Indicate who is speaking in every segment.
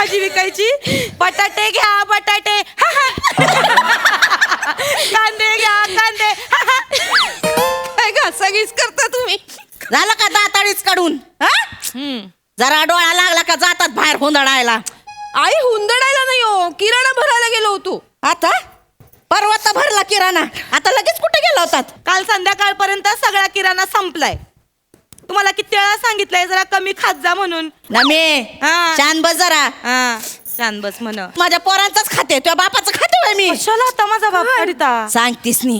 Speaker 1: भाजी विकायची. बटाटे घ्या बटाटे, कांदे घ्या कांदे.
Speaker 2: काय घासाघीस करता तुम्ही?
Speaker 3: झालं का दाताळीच काढून? जरा डोळा लागला का जातात बाहेर हुंदडायला.
Speaker 2: आई हुंदडायला नाही हो, किराणा भरायला गेलो होतो.
Speaker 3: आता परवा तर भरला किराणा, आता लगेच कुठे गेला होतात?
Speaker 1: काल संध्याकाळपर्यंत सगळा किराणा संपलाय. तुम्हाला किती वेळा सांगितलंय जरा कमी खात जा म्हणून.
Speaker 3: नमे
Speaker 1: हा.
Speaker 3: शान बस जरा.
Speaker 1: हा छान बस म्हण.
Speaker 3: माझ्या पोरांचाच खाते, तुझ्या बापाचं खाते होय मी.
Speaker 1: कशाला आता माझा बाप करीता
Speaker 3: सांगतीस नी.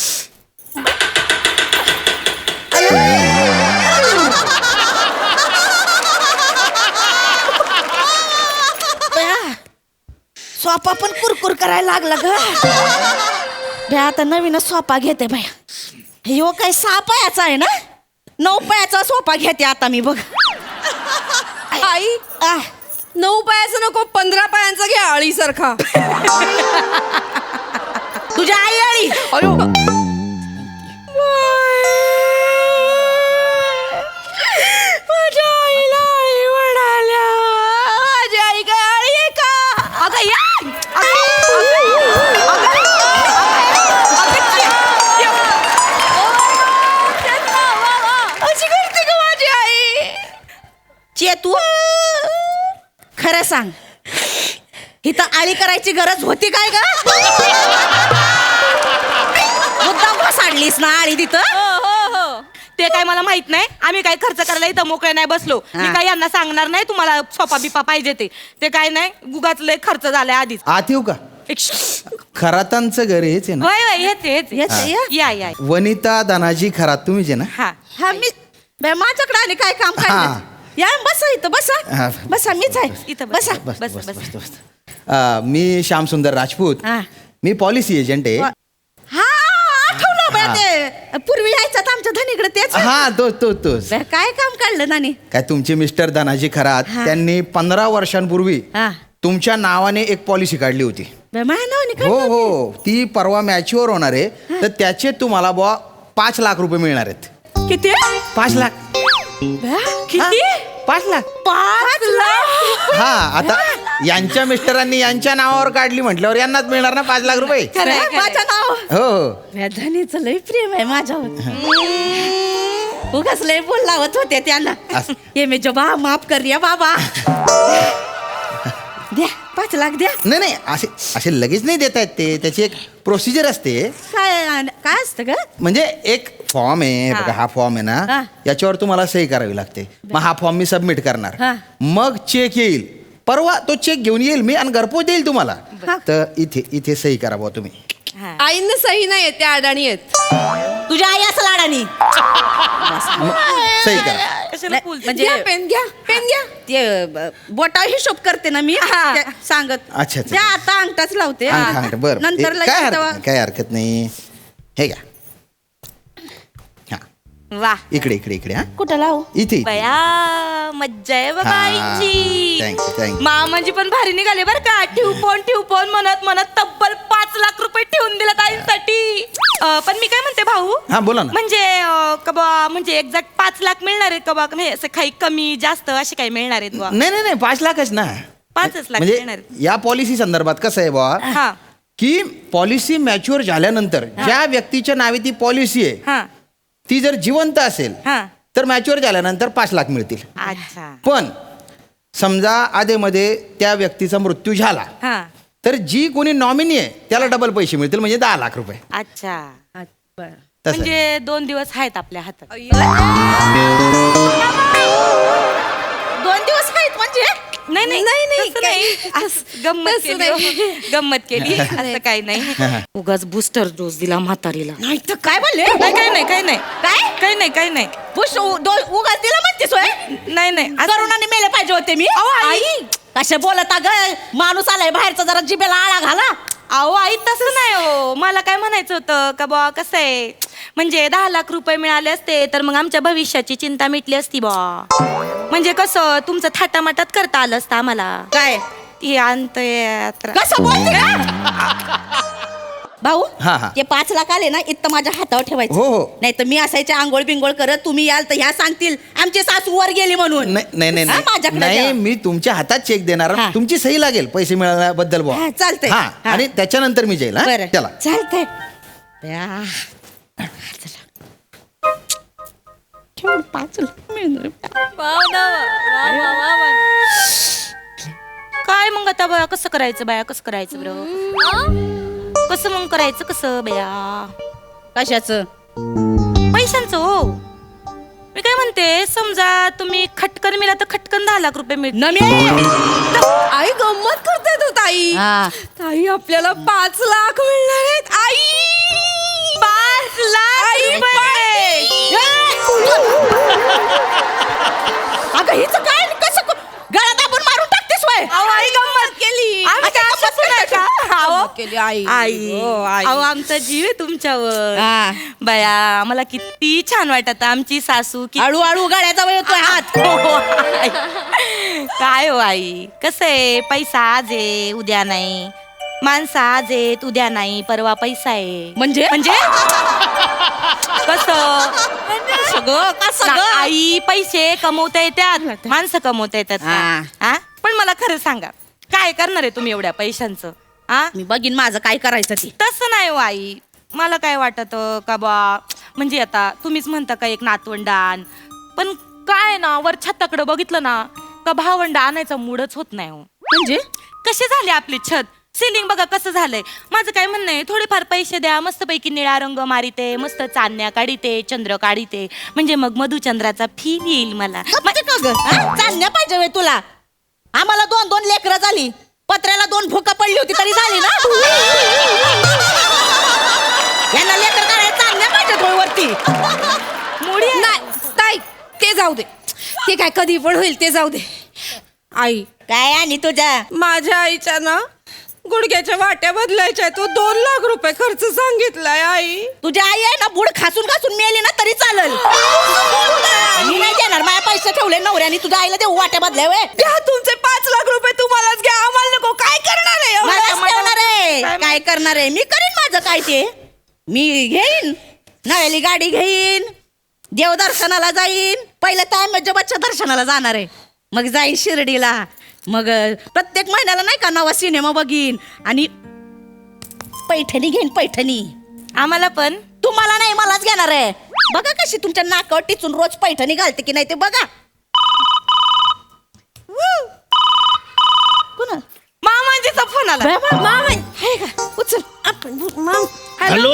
Speaker 3: सोपा पण कुरकुर करायला लागला ग. बया आता नवीन सोपा घेते बाया. ह्यो काय 6 पायाचा आहे ना, 9 पायाचा सोपा घेते आता मी बघ.
Speaker 2: आई 9 पायाचा नको, 15 पायांचा घ्या आळीसारखा.
Speaker 3: तुझ्या आई आळी.
Speaker 1: अयो माझ्या आईला आई म्हणाल्या. माझी आई काय आळी आहे का? अगं या अशी करते का माझी आई?
Speaker 3: चेतू खरं सांग, इथं आळी करायची गरज होती काय ग? मुद्दाम घसाडलीस ना आळी तिथं?
Speaker 1: हो ते काय मला माहित नाही. आम्ही काय खर्च करायला इथं मोकळे नाही बसलो. मी काय यांना सांगणार नाही तुम्हाला सोपा बिपा पाहिजे ते काय नाही. गुगाच लय खर्च झालाय आधीच.
Speaker 4: आत येऊ का? खरातांचं घर हेच आहे ना?
Speaker 1: होय होय येते
Speaker 3: येते, या.
Speaker 1: या या
Speaker 4: वनिता धनाजी खरात तुम्हीच आहे ना?
Speaker 1: हा
Speaker 3: हा मी माझ्याकडे आणि काय काम
Speaker 4: हा.
Speaker 3: काय? या बसा इथं बसा.
Speaker 4: हा.
Speaker 3: बसा मीच आहे.
Speaker 1: इथं बस.
Speaker 3: बसा.
Speaker 4: बस
Speaker 1: बस,
Speaker 4: बस
Speaker 1: बस.
Speaker 4: बस बस. मी श्यामसुंदर राजपूत.
Speaker 3: हा.
Speaker 4: मी पॉलिसी एजंट आहे.
Speaker 3: हा आठवलं बया ते पूर्वी यायचं आमच्या धनीकडे तेच.
Speaker 4: हा तोच.
Speaker 3: बया, काय काम काढलं नानी?
Speaker 4: काय तुमचे मिस्टर धनाजी खरात
Speaker 3: हा.
Speaker 4: त्यांनी 15 वर्षांपूर्वी
Speaker 3: हा.
Speaker 4: तुमच्या नावाने एक पॉलिसी काढली होती.
Speaker 3: बया, माझ्या नावाने
Speaker 4: हो
Speaker 3: काढलं?
Speaker 4: हो, ती परवा मॅच्युअर होणार आहे. तर त्याचे तुम्हाला बुवा 5 लाख रुपये मिळणार आहेत.
Speaker 1: किती
Speaker 4: 5 लाख.
Speaker 3: बया,
Speaker 1: किती
Speaker 4: 5 लाख.
Speaker 1: 5 लाख.
Speaker 4: हा आता यांच्या मिस्टरांनी यांच्या नावावर काढली म्हटल्यावर यांनाच मिळणार ना 5 लाख रुपये.
Speaker 1: खरंय,
Speaker 3: बया,
Speaker 1: खरंय.
Speaker 3: माझ्या नाव.
Speaker 4: हो
Speaker 3: बया, धनीचं लय प्रेम आहे माझ्यावर. उगाच लय बोल लावत होते त्यांना.
Speaker 4: असं.
Speaker 3: ये मे जबा माफ कर रिया बाबा. द्या 5 लाख द्या.
Speaker 4: नाही असे लगेच नाही देता येत ते. त्याची एक प्रोसिजर असते.
Speaker 3: काय असतं ग?
Speaker 4: म्हणजे एक फॉर्म आहे बघा, हा फॉर्म आहे
Speaker 3: हा.
Speaker 4: ना, याच्यावर तुम्हाला सही करावी लागते. मग हा फॉर्म मी सबमिट करणार.
Speaker 3: हा.
Speaker 4: मग चेक येईल. परवा तो चेक घेऊन येईल मी आणि घरपोच देईल तुम्हाला.
Speaker 3: हा.
Speaker 4: तर इथे सही करा बुवा तुम्ही.
Speaker 1: हा.
Speaker 2: आईंना सही नाही येते, अडाणी आहेत.
Speaker 3: तुझ्या आई असं लाडानी.
Speaker 4: मग सही करा.
Speaker 1: कशाला फुल
Speaker 3: म्हणजे
Speaker 2: घ्या पेन घ्या, पेन घ्या.
Speaker 3: ते बोटा हिशोब करते ना मी.
Speaker 1: हा.
Speaker 3: त्या सांगत.
Speaker 4: अच्छा.
Speaker 3: त्या आता अंगठाच लावते.
Speaker 4: बरं
Speaker 3: नंतर लगेच
Speaker 4: काय
Speaker 3: तेव्हा-
Speaker 4: काय हरकत नाही. हे घ्या. हा
Speaker 1: वा
Speaker 4: इकडे हा
Speaker 3: कुठं लावू?
Speaker 4: इथे
Speaker 1: बया मज्जा आहे बाबा
Speaker 4: हा.
Speaker 1: आईची.
Speaker 4: थँक्यू.
Speaker 1: मामांजी पण भारी निघाले बरं का. ठेवपोन म्हणत तब्बल 5 लाख रुपये ठेवून दिला ताईंसाठी. पण मी काय म्हणते भाऊ,
Speaker 4: हा बोला ना.
Speaker 1: म्हणजे कबा म्हणजे एक्झॅक्ट 5 लाख मिळणार आहेत का बा? म्हणजे असं काही कमी जास्त असे काही मिळणार आहेत बा?
Speaker 4: नाही 5 लाखच ना.
Speaker 1: 5 लाख
Speaker 4: म्हणजे
Speaker 1: मिळणार आहेत.
Speaker 4: या पॉलिसी संदर्भात कसं आहे बुवा,
Speaker 1: हा
Speaker 4: की पॉलिसी मॅच्युअर झाल्यानंतर ज्या व्यक्तीच्या नावे ती पॉलिसी आहे
Speaker 1: हा
Speaker 4: ती जर जिवंत असेल
Speaker 1: हा.
Speaker 4: तर मॅच्युअर झाल्यानंतर 5 लाख मिळतील.
Speaker 1: अच्छा.
Speaker 4: पण समजा आधेमध्ये त्या व्यक्तीचा मृत्यू झाला
Speaker 1: हा
Speaker 4: तर जी कोणी नॉमिनी आहे त्याला डबल पैसे मिळतील, म्हणजे 10 लाख रुपये.
Speaker 1: अच्छा.
Speaker 3: बरं.
Speaker 4: तसं आहे.
Speaker 1: म्हणजे 2 दिवस आहेत आपल्या हातात.
Speaker 3: 2 दिवस आहेत म्हणजे?
Speaker 1: नाही नाही
Speaker 2: नाही,
Speaker 1: तसं नाही. असं गंमत
Speaker 2: तसं
Speaker 1: केली हो. गंमत केली असं काही नाही. उगाच बूस्टर डोस दिला म्हातारीला.
Speaker 3: नाही तर काय बोलले?
Speaker 1: नाही काही नाही
Speaker 3: काय?
Speaker 1: काही नाही
Speaker 3: बुश उगाच दिला म्हणतेस होय?
Speaker 1: नाही नाही असं-
Speaker 3: करोनाने मेले पाहिजे होते मी.
Speaker 1: आई.
Speaker 3: कसे बोलत ग? माणूस आलाय बाहेरचा, जरा जिभेला आळा घाला.
Speaker 1: अहो आई तसं नाही हो. मला काय म्हणायचं होतं का बा कसं आहे, म्हणजे 10 लाख रुपये मिळाले असते तर मग आमच्या भविष्याची चिंता मिटली असती बा. म्हणजे कसं तुमचं थाटामाटात करता आलं असतं आम्हाला.
Speaker 3: काय
Speaker 1: ती अंतयात्रा.
Speaker 3: कसं बोलते का? भाऊ
Speaker 4: हा, हा.
Speaker 3: ते 5 लाख आले ना इथं माझ्या हातावर ठेवायचं.
Speaker 4: हो, हो.
Speaker 3: नाही तर मी असायचे आंघोळ बिंगोळ करत, तुम्ही याल तर ह्या सांगतील आमची सासू वर गेली म्हणून.
Speaker 4: नाही नाही
Speaker 3: हा, माझ्याकडे
Speaker 4: नाही
Speaker 3: द्या.
Speaker 4: मी तुमच्या हातात चेक देणार
Speaker 3: हा.
Speaker 4: तुमची सही लागेल पैसे मिळाल्याबद्दल बुवा.
Speaker 3: हा, चालतंय.
Speaker 4: हा
Speaker 3: हा.
Speaker 4: आणि त्याच्यानंतर मी जाईल. हा?
Speaker 3: बरं
Speaker 4: चला
Speaker 3: चालतंय. केवढं 5 लाख मिळणार.
Speaker 1: काय मग आता बया कसं करायचं बाया कसं करायचं बरं कसं मग करायचं कसं बया
Speaker 3: कशाचं?
Speaker 1: पैशांचं हो मी काय म्हणते समजा तुम्ही खटकन मिळाला तर खटकन 10 लाख रुपये मिळतील.
Speaker 2: आई गंमत करते तू ताई.
Speaker 3: हा.
Speaker 2: ताई आपल्याला 5 लाख मिळणार आहेत. आई
Speaker 1: 5 लाख रुपये.
Speaker 3: अगं हिचं काय कसं गळा दाबून मारून टाकतेस वय?
Speaker 1: अहो, आई गंमत केली आम्ही काय असंच नाही का? अहो,
Speaker 2: केली आई.
Speaker 1: आई
Speaker 2: हो, आई.
Speaker 1: अहो आमचा जीव आहे तुमच्यावर
Speaker 3: हा.
Speaker 1: बया मला किती छान वाटत आमची सासू की
Speaker 3: हळूहळू गळ्याचा वय येतोय हात.
Speaker 1: हो, आई. काय हो आई कसं आहे पैसा आज आहे उद्या नाही माणसं आज आहेत उद्या नाही परवा पैसा आहे
Speaker 3: म्हणजे?
Speaker 1: म्हणजे कसं
Speaker 3: सगळं का सगळं?
Speaker 1: आई पैसे कमवता येतात माणसं कमवता येतात
Speaker 3: हा.
Speaker 1: का? हा? पण मला खरं सांगा काय करणार आहे तुम्ही एवढ्या पैशांचं हा
Speaker 3: मी बघीन माझं काय करायचं ते.
Speaker 1: तसं नाही हो आई मला काय वाटत का बा म्हणजे आता तुम्हीच म्हणता का एक नातवंडान पण काय ना वर छताकडे बघितलं ना का भावंड आणायचा मूडच होत नाही हो
Speaker 3: म्हणजे
Speaker 1: कसे झाले आपले छत सिलिंग बघा कसं झालंय माझं काय म्हणणं आहे थोडेफार पैसे द्या मस्तपैकी निळा रंग मारिते मस्त चांदण्या काढीते चंद्र काढीते म्हणजे मग मधुचंद्राचा फील येईल मला
Speaker 3: म्हणजे का ग? हा? चांदण्या पाहिजे वय तुला? आम्हाला 2 लेकरं झाली पत्र्याला 2 भुका पडली होती तरी झाली ना. यांना लेकर काढायला चांदण्या पाहिजे होय वरती.
Speaker 1: मुडी आहे.
Speaker 2: नाही ताई ते जाऊ दे. ते काय कधी पण होईल ते जाऊ दे. आई
Speaker 3: काय आणि तुझ्या
Speaker 2: माझ्या आईच्या ना गुडघ्याच्या वाट्या बदलायच्या तो 2 लाख रुपये खर्च सांगितलाय. आई
Speaker 3: तुझ्या आई आहे ना बुड खासून खासून मेली ना तरी चालेल. मी नाही देणार माझ्या पैसे ठेवले नवऱ्याने तुझ्या आईला देऊ वाट्या बदल्या वय.
Speaker 2: घ्या तुमचे 5 लाख रुपये तुम्हालाच घ्या आम्हाला नको. काय करणार आहे
Speaker 3: मलाच ठेवणार आहे काय करणार आहे मी करीन माझं काय ते मी घेईन नव्याली गाडी घेईन देवदर्शनाला जाईन पहिलं तायमच्या दर्शनाला जाणार आहे मग जाईन शिर्डीला मग प्रत्येक महिन्याला नाही का नवा सिनेमा बघीन आणि पैठणी घेईन पैठणी.
Speaker 1: आम्हाला पण
Speaker 3: तुम्हाला नाही मलाच घेणार आहे. बघा कशी तुमच्या नाकावर टिचून रोज पैठणी घालते की नाही ते बघा. कुणा
Speaker 1: मामांजीचा फोन आला
Speaker 3: आहे का उचल आपण
Speaker 5: हॅलो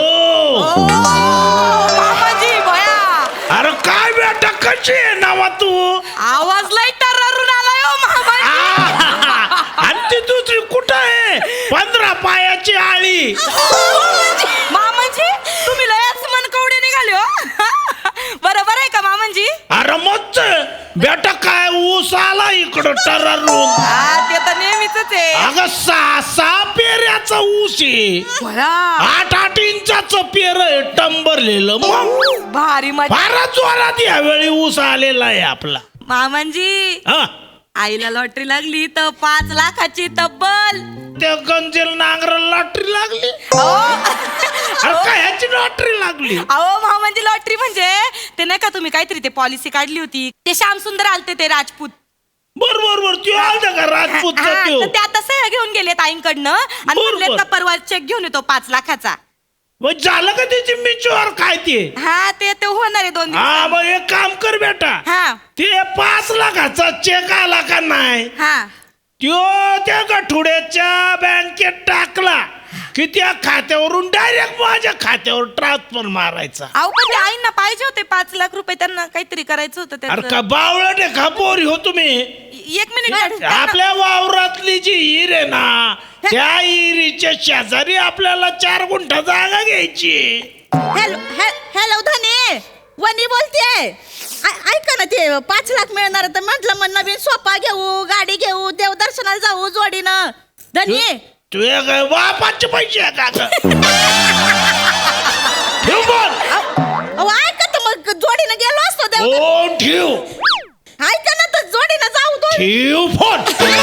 Speaker 1: मामाजी बया
Speaker 5: अरे काय बेटा कशी आहे नावा तू
Speaker 1: आवाज लय टर्रारून आलाय हो मामाजी.
Speaker 5: आणि ती दुसरी कुठं आहे 15 पायाची आळी
Speaker 1: मामाजी तुम्ही लयच मनकवडे निघाले हो. बरोबर आहे का मामाजी?
Speaker 5: अरे मस्त बेटा काय ऊस आला इकडं टरारून
Speaker 1: हा ते तर नेहमीच आहे.
Speaker 5: अगं 6 पेऱ्याचा ऊस आहे 8 इंचाचं पेर आहे टंबरलेलं मग
Speaker 1: भारी मजा.
Speaker 5: फारच जोरात यावेळी ऊस आलेला आहे आपला
Speaker 1: मामांजी
Speaker 5: हा
Speaker 1: आईला लॉटरी लागली तर 5 लाखाची तब्बल.
Speaker 5: त्या गंजेल नांगर लॉटरी लागली
Speaker 1: अहो
Speaker 5: अरे काय ह्याची लॉटरी लागली
Speaker 1: मामांजी लॉटरी म्हणजे ते नाही का तुम्ही काहीतरी ते पॉलिसी काढली होती ते श्याम सुंदर आलते ते राजपूत
Speaker 5: बरोबर तू आलता का राजपूतचा
Speaker 1: हा,
Speaker 5: त्यो
Speaker 1: तर ते आता सह्या घेऊन गेले ताईंकडनं आणि
Speaker 5: बरोबर.
Speaker 1: म्हणले का परवा चेक घेऊन येतो 5 लाखाचा.
Speaker 5: मग झालं का त्याची मिचवर काय ते
Speaker 1: हा ते होणार आहे 2 दिवस.
Speaker 5: हा मग एक काम कर बेटा
Speaker 1: हा
Speaker 5: ते 5 लाखाचा चेक आला का नाही
Speaker 1: हा
Speaker 5: त्यो त्या गठुड्याच्या बँकेत टाकला की त्या खात्यावरून डायरेक्ट माझ्या खात्यावर ट्रान्सफर मारायचा
Speaker 1: अहो पण ते आईंना पाहिजे होते 5 लाख रुपये त्यांना काहीतरी करायचं होतं
Speaker 5: अरे
Speaker 1: त्याचं.
Speaker 5: का बावळट आहे का पोरी हो तुम्ही
Speaker 1: 1 मिनिट
Speaker 5: आपल्या वावरातली जी हिर आहे ना त्या हिरीच्या शेजारी आपल्याला 4 गुंठा जागा घ्यायची
Speaker 3: हॅलो धने वनी बोलते ऐका ना ते 5 लाख मिळणार तर म्हटलं मग नवीन सोफा घेऊ गाडी घेऊ देवदर्शनाला जाऊ जोडीनं धनी
Speaker 5: तू काय बापाचे पैसे आहे का ग? ठेव बोल
Speaker 3: अहो ऐका तर मग जोडीनं गेलो असतो देव
Speaker 5: फोन ठेव
Speaker 3: ऐका ना तर जोडीनं जाऊ तो
Speaker 5: ठेव फोन